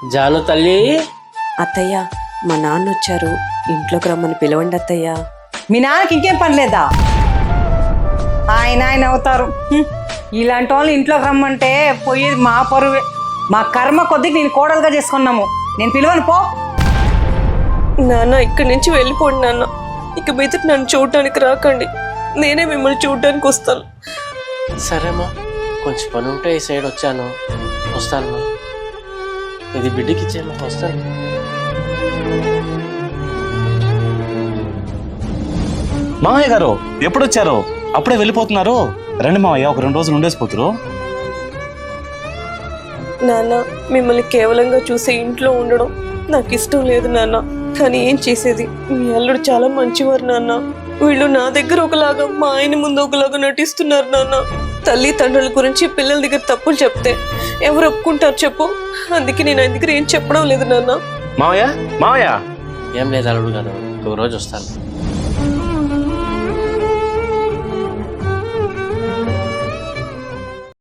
జాను తల్లి. అత్తయ్య మా నాన్న వచ్చారు, ఇంట్లోకి రమ్మని పిలవండి అత్తయ్య. మీ నాన్నకి ఇంకేం పని లేదా? ఆయన అవుతారు. ఇలాంటి వాళ్ళు ఇంట్లోకి రమ్మంటే పోయేది మా పరువే. మా కర్మ కొద్దికి నేను కోడలుగా చేసుకున్నాము. నేను పిలవను పో. నాన్న ఇక్కడి నుంచి వెళ్ళిపోండి నాన్న. ఇక మీద నన్ను చూడటానికి రాకండి, నేనే మిమ్మల్ని చూడటానికి వస్తాను. సరేమ్మా, కొంచెం పని ఉంటే ఈ సైడ్ వచ్చాను, వస్తానమ్మా. ఇది బిడ్డకి ఇచ్చేయమ్మా, వస్తాను. మామయ్య గారు ఎప్పుడు వచ్చారు? అప్పుడే వెళ్ళిపోతున్నారు? రండి మామయ్య, ఒక 2 రోజులు ఉండేసిపోతురు. నాన్న మిమ్మల్ని కేవలంగా చూసే ఇంట్లో ఉండడం నాకు ఇష్టం లేదు నాన్న. కానీ ఏం చేసేది, మీ అల్లుడు చాలా మంచివారు నాన్న. వీళ్ళు నా దగ్గర ఒకలాగా, మా ఆయన ముందు ఒకలాగా నటిస్తున్నారు నాన్న. తల్లి తండ్రుల గురించి పిల్లల దగ్గర తప్పులు చెప్తే ఎవరు ఒప్పుకుంటారు చెప్పు? అందుకే నేను ఆయన దగ్గర ఏం చెప్పడం లేదు నాన్న. మామయ్య మామయ్య ఏం లేదు అల్లుడు గారు, ఇంకో రోజు వస్తాను.